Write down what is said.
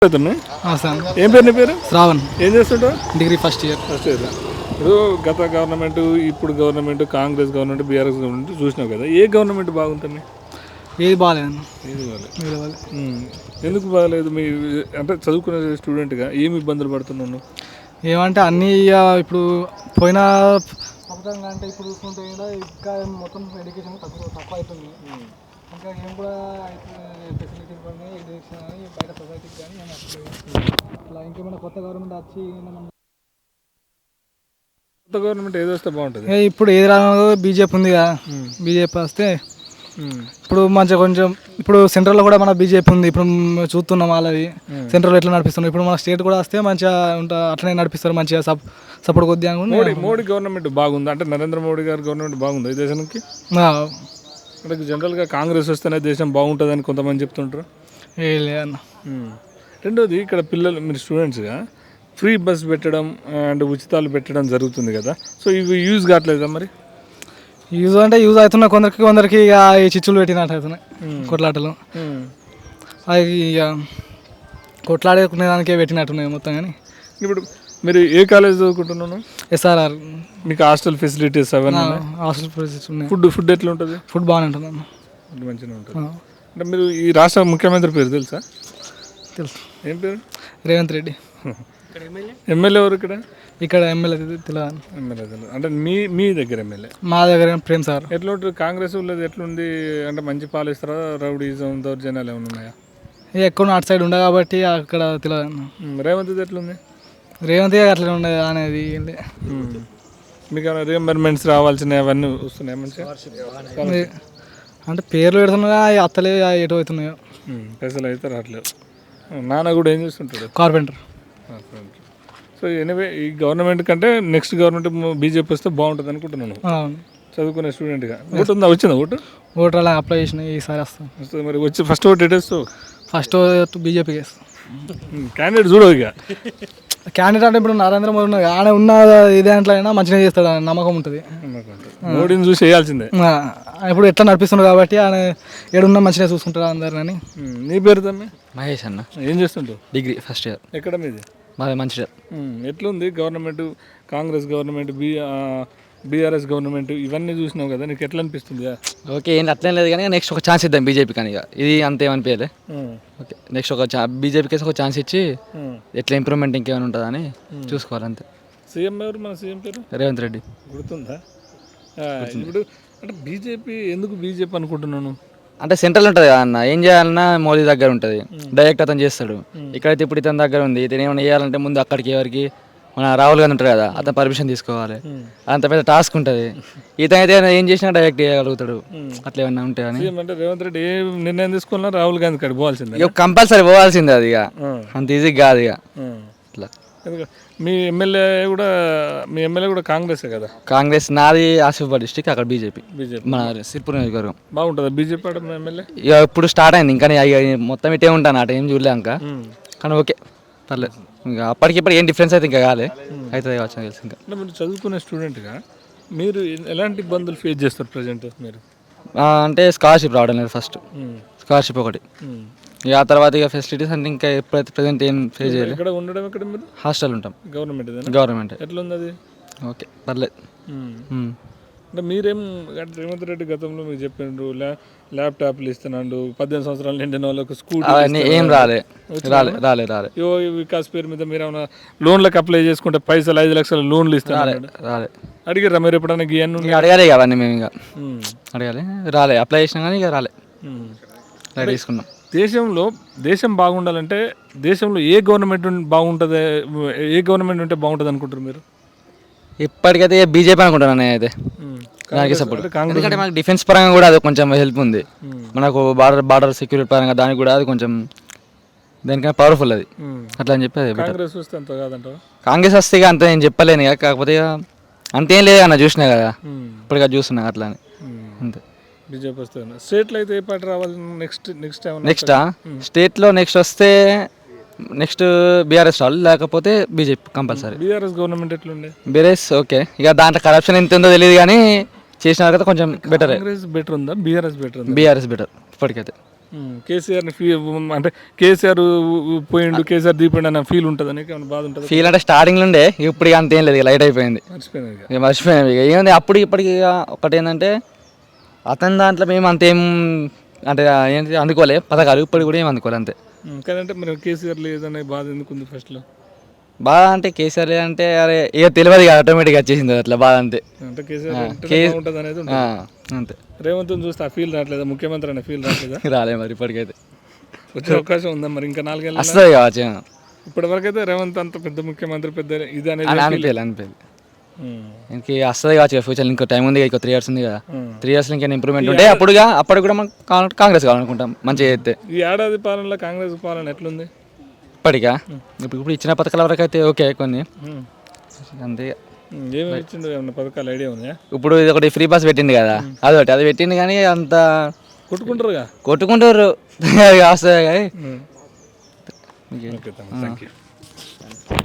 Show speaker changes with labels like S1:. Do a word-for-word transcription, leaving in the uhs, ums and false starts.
S1: అవుతుంది. ఏం పేరు నీ పేరు?
S2: శ్రావణ్.
S1: ఏం చేస్తుంటావు?
S2: Degree first year.
S1: First year. ఇప్పుడు గత గవర్నమెంట్, ఇప్పుడు government, Congress government, BRS government చూసినావు కదా, ఏ గవర్నమెంట్ బాగుంటుంది?
S2: ఏది బాగాలేదు.
S1: ఏది బాగాలేదు. ఎందుకు బాగాలేదు? మీ అంటే చదువుకునే స్టూడెంట్గా ఏమి ఇబ్బందులు పడుతున్నాను?
S2: ఏమంటే అన్నీ ఇప్పుడు పోయిన పథకంగా అంటే ఇప్పుడు చూసుకుంటే కూడా ఇంకా మొత్తం ఎడ్యుకేషన్ తక్కువ తక్కువ అవుతుంది. ఇంకా ఏం కూడా ఫెసిలిటీస్ కానీ ఎడ్యుకేషన్ కానీ బయట సొసైటీకి కానీ అట్లా ఇంకేమైనా కొత్త గవర్నమెంట్ వచ్చి
S1: కొత్త గవర్నమెంట్ ఏది వస్తే బాగుంటుంది?
S2: ఇప్పుడు ఏది రాదు, బీజేపీ ఉంది కదా, బీజేపీ వస్తే ఇప్పుడు మంచిగా కొంచెం ఇప్పుడు సెంట్రల్లో కూడా మన బీజేపీ ఉంది. ఇప్పుడు చూస్తున్నాం వాళ్ళది సెంట్రల్ ఎట్లా నడిపిస్తున్నాం. ఇప్పుడు మన స్టేట్ కూడా వస్తే మంచిగా ఉంటా అట్లనే నడిపిస్తారు, మంచిగా సప్ సపోర్ట్ కొద్దిగా.
S1: మోడీ మోడీ గవర్నమెంట్ బాగుంది అంటే నరేంద్ర మోడీ గారి గవర్నమెంట్ బాగుంది ఈ దేశానికి. అంటే జనరల్గా కాంగ్రెస్ వస్తేనే దేశం బాగుంటుందని కొంతమంది చెప్తుంటారు.
S2: ఏ లేదన్న.
S1: రెండోది, ఇక్కడ పిల్లలు మీరు స్టూడెంట్స్గా ఫ్రీ బస్ పెట్టడం అండ్ ఉచితాలు పెట్టడం జరుగుతుంది కదా, సో ఇవి యూజ్ కావట్లేదా? మరి
S2: యూజ్ అంటే యూజ్ అవుతున్నాయి కొందరికి, కొందరికి ఇక ఈ చిచ్చులు పెట్టినట్టు అవుతున్నాయి కొట్లాటలు. అవి ఇక కొట్లాడుకునే దానికే పెట్టినట్టున్నాయి మొత్తం. కానీ
S1: ఇప్పుడు మీరు ఏ కాలేజ్ చదువుకుంటున్నాను?
S2: ఎస్ఆర్ఆర్.
S1: మీకు హాస్టల్ ఫెసిలిటీస్ అవన్నీ?
S2: హాస్టల్ ఫెసిలిటీస్ ఉన్నాయి.
S1: ఫుడ్ ఫుడ్ ఎట్లా ఉంటుంది?
S2: ఫుడ్ బాగానే ఉంటుంది అన్న.
S1: ఫుడ్ మంచిగా ఉంటుంది. అంటే మీరు ఈ రాష్ట్ర ముఖ్యమంత్రి పేరు తెలుసా?
S2: తెలుసు.
S1: ఏం పేరు?
S2: రేవంత్ రెడ్డి.
S1: ఎమ్మెల్యే ఎవరు ఇక్కడ?
S2: ఇక్కడ ఎమ్మెల్యే తెలియదు.
S1: ఎమ్మెల్యే తెలియదు. అంటే మీ మీ దగ్గర ఎమ్మెల్యే?
S2: మా దగ్గర ప్రేమ్ సార్.
S1: ఎట్లా ఉంటుంది కాంగ్రెస్ వాళ్ళది? ఎట్లుంది అంటే మంచి పాలిస్తారా? రౌడీజం, దౌర్జన్యాలు ఏమైనా ఉన్నాయా?
S2: ఎక్కువ నాట్ సైడ్ ఉండే కాబట్టి అక్కడ తెలియదు.
S1: రేవంత్ ఎట్లుంది?
S2: రేవంత్ అట్లా ఉండదు అనేది.
S1: మీకు ఏమైనా రీఎంబర్మెంట్స్ రావాల్సినవి అవన్నీ వస్తున్నాయి మంచిగా?
S2: అంటే పేర్లు పెడుతున్నా అత్తలే ఎటు అవుతున్నాయో.
S1: పైసలు అయితే రావట్లేదు. నాన్న కూడా ఏం చేస్తుంటాడు?
S2: కార్పెంటర్.
S1: సో ఎనివే ఈ గవర్నమెంట్ కంటే నెక్స్ట్ గవర్నమెంట్ బీజేపీ వస్తే బాగుంటుంది అనుకుంటున్నాను చదువుకునే స్టూడెంట్గా. ఓటు ఉందా? వచ్చిందా ఓటు?
S2: ఓటర్ అలా అప్లై చేసిన ఈసారి వస్తాం.
S1: వస్తుంది. మరి వచ్చి ఫస్ట్ ఓటు ఎటేస్తావు?
S2: ఫస్ట్ బీజేపీకి వేస్తాం.
S1: క్యాండిడేట్ చూడవు ఇక.
S2: క్యాండిడేట్ అంటే ఇప్పుడు నరేంద్ర మోడీ ఉన్నది, ఆయన ఉన్న ఏ దాంట్లో అయినా మంచిగా చేస్తాడు అని నమ్మకం ఉంటుంది.
S1: మోడీని చూసి వేయాల్సిందే.
S2: ఇప్పుడు ఎట్లా నడిపిస్తున్నాడు కాబట్టి ఆయన ఏడున్నా మంచిగా చూసుకుంటాడు అందరిని.
S1: నీ పేరు తమ్మి?
S3: మహేష్ అన్న.
S1: ఏం చేస్తుంటావు?
S3: Degree first year.
S1: ఎక్కడ మీది?
S3: మాది మంచిగా.
S1: ఎట్లుంది government? Congress government, B BRS government ఇవన్నీ చూసినావు కదా, నీకు ఎట్లా అనిపిస్తుంది?
S3: ఓకే, ఏంటి అట్లేం లేదు కానీ నెక్స్ట్ ఒక ఛాన్స్ ఇద్దాం బీజేపీ కానీ. ఇక ఇది అంతేమనిపించలే. ఓకే, నెక్స్ట్ ఒక బీజేపీకి ఒక ఛాన్స్ ఇచ్చి ఎట్లా ఇంప్రూవ్మెంట్ ఇంకేమైనా ఉంటుందని చూసుకోవాలి అంతే.
S1: సీఎం ఎవరు? మన సీఎం పేరు
S3: రేవంత్ రెడ్డి.
S1: గుర్తుందా? ఇప్పుడు అంటే బీజేపీ ఎందుకు బీజేపీ అనుకుంటున్నాను
S3: అంటే సెంట్రల్ ఉంటుంది కదా అన్న, ఏం చేయాలన్నా మోదీ దగ్గర ఉంటుంది, డైరెక్ట్ అతను చేస్తాడు. ఇక్కడైతే ఇప్పుడు ఇతని దగ్గర ఉంది, ఇతను ఏమైనా చేయాలంటే ముందు అక్కడికి ఎవరికి మన రాహుల్ గాంధీ ఉంటారు కదా, అతను పర్మిషన్ తీసుకోవాలి. అంత పెద్ద టాస్క్ ఉంటుంది. ఇతను అయితే ఏం చేసినా డైరెక్ట్ చేయగలుగుతాడు. అట్లా ఏమన్నా ఉంటాయని
S1: అంటే రేవంత్ రెడ్డి ఏ నిర్ణయం తీసుకున్నా రాహుల్ గాంధీ కాడికి పోవాల్సిందే.
S3: ఇక కంపల్సరీ పోవాల్సిందే. అది ఇక అంత ఈజీ కాదు ఇక. అట్లా
S1: మీ ఎమ్మెల్యే కూడా మీ ఎమ్మెల్యే కూడా కాంగ్రెసే కదా?
S3: కాంగ్రెస్. నాది ఆసిఫాబాద్ డిస్ట్రిక్ట్, అక్కడ బీజేపీ.
S1: బీజేపీ
S3: మన సిర్పూర్ నియోజకవర్గం.
S1: బాగుంటుందా బీజేపీ ఎమ్మెల్యే?
S3: ఇక ఇప్పుడు స్టార్ట్ అయింది, ఇంకా మొత్తం ఇటే ఉంటాను, అట ఏం చూడలే ఇంకా. కానీ ఓకే పర్లేదు. ఇంకా అప్పటికిప్పుడు ఏం డిఫరెన్స్ అయితే ఇంకా కాలే, అవుతుంది కావచ్చు తెలుసు. ఇంకా
S1: మీరు చదువుకునే స్టూడెంట్గా మీరు ఎలాంటి ఇబ్బందులు ఫేస్ చేస్తారు ప్రజెంట్? మీరు
S3: అంటే స్కాలర్షిప్ రావడం లేదు ఫస్ట్, స్కాలర్షిప్ ఒకటి. ఇక ఆ తర్వాత ఇక ఫెసిలిటీస్ అంటే ఇంకా ఎప్పుడైతే ప్రజెంట్ ఏం ఫేస్ చేయాలి.
S1: ఇక్కడ ఉండడం ఎక్కడ మీరు?
S3: హాస్టల్ ఉంటాం.
S1: గవర్నమెంట్?
S3: గవర్నమెంట్.
S1: ఎట్లా ఉంది అది?
S3: ఓకే పర్లేదు.
S1: అంటే మీరేం రేవంత్ రెడ్డి గతంలో మీరు చెప్పిండ్రు ల్యా ల్యాప్టాప్లు ఇస్తున్నాడు, పద్దెనిమిది సంవత్సరాలు నిండిన వాళ్ళకు స్కూల్
S3: ఏం రాలే రాలే రాలే రాలే
S1: యో వికాస్ పేరు మీద మీరు ఏమైనా లోన్లకు అప్లై చేసుకుంటే పైసలు ఐదు లక్షల లోన్లు ఇస్తారు
S3: రాలే.
S1: అడిగారా మీరు ఎప్పుడైనా? ఇవన్నీ
S3: అడగాలి అవన్నీ మేము ఇక అడగాలి, రాలే. అప్లై చేసినా కానీ ఇక రాలే, తీసుకున్నాం.
S1: దేశంలో దేశం బాగుండాలంటే దేశంలో ఏ గవర్నమెంట్ బాగుంటుంది, ఏ గవర్నమెంట్ ఉంటే బాగుంటుంది అనుకుంటారు మీరు?
S3: ఇప్పటికైతే బీజేపీ అనుకుంటున్నాను అయితే దానికి సపోర్ట్. ఎందుకంటే మనకు డిఫెన్స్ పరంగా కూడా అది కొంచెం హెల్ప్ ఉంది. మనకు బార్డర్ బార్డర్ సెక్యూరిటీ పరంగా దానికి కూడా అది కొంచెం దానికన్నా పవర్ఫుల్ అది. అట్లా అని చెప్పి అది
S1: కాంగ్రెస్ వస్తే అంత కాదంటావా?
S3: కాంగ్రెస్ వస్తే ఇక అంత నేను చెప్పలేను ఇక. కాకపోతే ఇక అంతేం లేదు అన్న, చూసినా కదా ఇప్పటికా చూస్తున్నా అట్లా అని అంతే.
S1: బీజేపీ వస్తే స్టేట్లో అయితే ఏ పార్టీ రావాలి నెక్స్ట్? నెక్స్ట్
S3: నెక్స్టా స్టేట్లో నెక్స్ట్ వస్తే నెక్స్ట్ బీఆర్ఎస్ రావాలి, లేకపోతే బీజేపీ కంపల్సరీ.
S1: బీఆర్ఎస్ గవర్నమెంట్ ఎట్లుండే?
S3: BRS okay. ఇక దాంట్లో కరప్షన్ ఎంత ఉందో తెలియదు కానీ చేసిన తర్వాత కొంచెం బెటర్.
S1: కాంగ్రెస్ బెటర్ ఉందా? BRS better?
S3: బీఆర్ఎస్ బెటర్ ఇప్పటికైతే.
S1: కేసీఆర్ని ఫీ అంటే కేసీఆర్ పోయిండు కేసీఆర్ దీపండి అన్న ఫీల్ ఉంటుంది నీకు ఏమైనా బాధ ఉంటుంది?
S3: ఫీల్ అంటే స్టార్టింగ్ నుండే ఇప్పుడు ఇక అంతేం లేదు, ఇక లైట్ అయిపోయింది,
S1: మర్చిపోయినా ఇక.
S3: ఇక మర్చిపోయాం. ఇక ఏముంది అప్పుడు ఇప్పటికి ఇక ఒకటి ఏంటంటే అతని దాంట్లో మేము అంతేం అంటే ఏంటి అందుకోలే పథకాలు, ఇప్పుడు కూడా ఏం అందుకోలే అంతే.
S1: ఉమ్, కాదంటే మరి కేసీఆర్ లేదనే బాధ ఎందుకు ఉంది ఫస్ట్లో?
S3: బాగా అంటే కేసీఆర్ అంటే అరే ఇక తెలియదు ఇక ఆటోమేటిక్గా వచ్చేసింది అట్లా బాధ అంతే.
S1: అంటే కేసీఆర్ ఉంటేనే
S3: కే-
S1: బాగుంటుంది అనేది ఉంటుంది.
S3: ఆ, అంతే.
S1: రేవంత్ చూస్తే ఆ ఫీల్ రావట్లేదా? ముఖ్యమంత్రి అనే ఫీల్ రావట్లేదా?
S3: రాలే మరి ఇప్పటికైతే,
S1: వచ్చే అవకాశం ఉందా మరి ఇంకా నాలుగేళ్ళు?
S3: వస్తుంది కావచ్చు.
S1: ఇప్పటి వరకు అయితే రేవంత్ అంత పెద్ద ముఖ్యమంత్రి పెద్ద ఇది అనేది
S3: అని అనిపించలేదు అనిపించలేదు
S1: ఉమ్,
S3: ఇంక వస్తుంది కావచ్చు ఫ్యూచర్, ఇంకో టైం ఉంది, ఇంకో త్రీ ఇయర్స్ ఉంది కదా,
S1: ఉమ్.
S3: త్రీ ఇయర్స్ ఇంకేం ఇంప్రూవ్మెంట్ ఉంటే అప్పుడుగా అప్పుడు కూడా మనం కావాలంటే కాంగ్రెస్ కావాలనుకుంటాం మంచిగా చేస్తే.
S1: ఈ ఏడాది పాలనలో కాంగ్రెస్ పాలన ఎట్లుంది?
S3: ఇప్పటికా ఇప్పుడు ఇప్పుడు ఇచ్చిన పథకాల వరకు అయితే ఓకే కొన్ని
S1: ఉమ్.
S3: అంతే.
S1: ఉమ్, ఏమేమి ఇచ్చిండు? ఏమన్నా పథకాలు ఐడియా ఉన్నాయా?
S3: ఇప్పుడు ఇది ఒకటి ఫ్రీ బస్ పెట్టింది కదా, అదొకటి అది పెట్టింది కానీ అంత
S1: కొట్టుకుంటారుగా.
S3: కొట్టుకుంటారు వస్తుంది కానీ
S1: ఓకే థ్యాంక్ యూ.